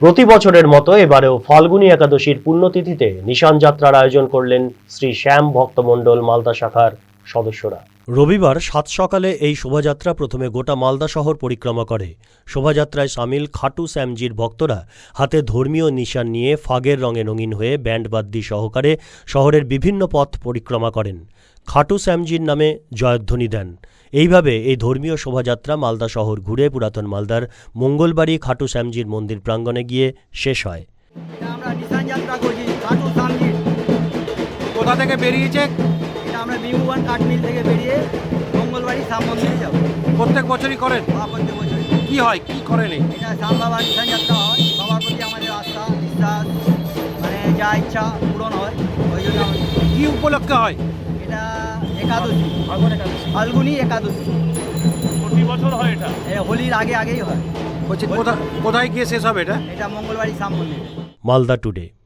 প্রতি বছরের মতো এবারেও ফাল্গুনী একাদশীর পুণ্যতিথিতে নিশান যাত্রার আয়োজন করলেন শ্রী শ্যাম ভক্তমণ্ডল মালদা শাখার সদস্যরা। রবিবার সাত সকালে এই শোভাযাত্রা প্রথমে গোটা মালদা শহর পরিক্রমা করে। শোভাযাত্রায় সামিল খাটু শ্যামজির ভক্তরা হাতে ধর্মীয় নিশান নিয়ে ফাগের রঙে রঙিন হয়ে ব্যান্ডবাদ্যি সহকারে শহরের বিভিন্ন পথ পরিক্রমা করেন। খাটু শ্যামজির নামে জয়ধ্বনি দেন। এইভাবে এই ধর্মীয় শোভাযাত্রা মালদা শহর ঘুরে পুরাতন মালদার মঙ্গলবাড়ি খাটু শ্যামজির মন্দির প্রাঙ্গণে গিয়ে শেষ হয়। আমরা নিশান যাত্রা করছি খাটু শ্যামজির। কোথা থেকে বেরিয়েছে? এটা আমরা বিমুবান কাঠমিল থেকে বেরিয়ে মঙ্গলবাড়ি শ্যাম মন্দিরে যাবো। প্রত্যেক বছরই করেন? প্রত্যেক বছর কি হয়, কি করেন? এটা শ্যাম বাবার নিশান যাত্রা হয়। বাবার প্রতি আমাদের আস্থা বিশ্বাস মানে যা ইচ্ছা পূরণ হয়। ওই জন্য কি উপলক্ষে হয়? এটা একাদশী, ফাল্গুনী একাদশী। প্রতি বছর হয় এটা? হোলির আগেই হয়। বলছি কোথায় গিয়ে শেষ হবে এটা? এটা মঙ্গলবাড়ি শ্যাম মন্দির। মালদা টুডে।